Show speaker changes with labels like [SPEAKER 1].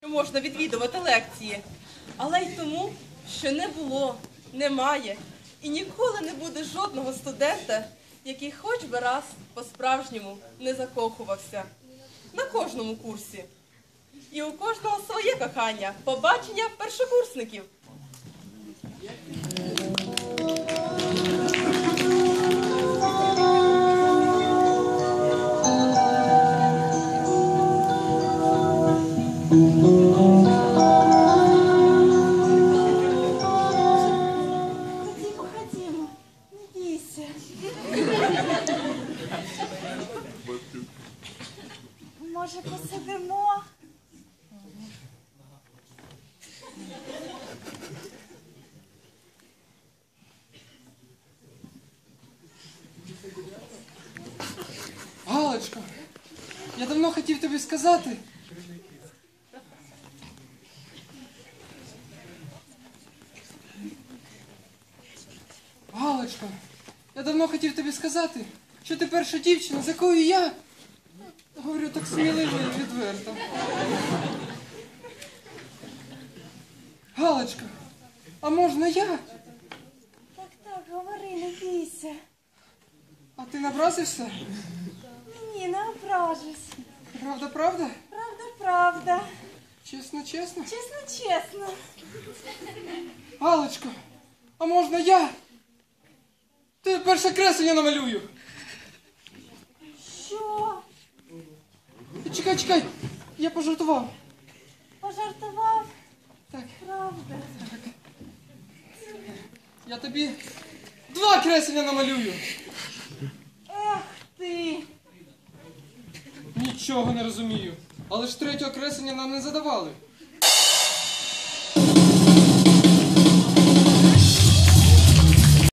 [SPEAKER 1] що можна відвідувати лекції, але й тому, що не було, немає і ніколи не буде жодного студента, який хоч би раз по-справжньому не закохувався. На кожному курсі. І у кожного своє кохання, побачення першокурсників.
[SPEAKER 2] Ходімо, не бійся. Може, посидимо?
[SPEAKER 3] Галочко, я давно хотів тобі сказати. Галочко, я давно хотів тобі сказати, що ти перша дівчина, з якою я говорю так сміливо і відверто. Галочко, а можна я?
[SPEAKER 2] Так, говори, не бійся.
[SPEAKER 3] А ти не образишся?
[SPEAKER 2] Ні, не ображусь.
[SPEAKER 3] Правда, правда?
[SPEAKER 2] Правда.
[SPEAKER 3] Чесно, чесно?
[SPEAKER 2] Чесно.
[SPEAKER 3] Галочко, а можна я? Ти перше креслення намалюю.
[SPEAKER 2] Що?
[SPEAKER 3] Чекай, я пожартував.
[SPEAKER 2] Пожартував?
[SPEAKER 3] Так.
[SPEAKER 2] Правда.
[SPEAKER 3] Я тобі 2 креслення намалюю.
[SPEAKER 2] Ех ти.
[SPEAKER 3] Нічого не розумію. Але ж 3-го креслення нам не задавали.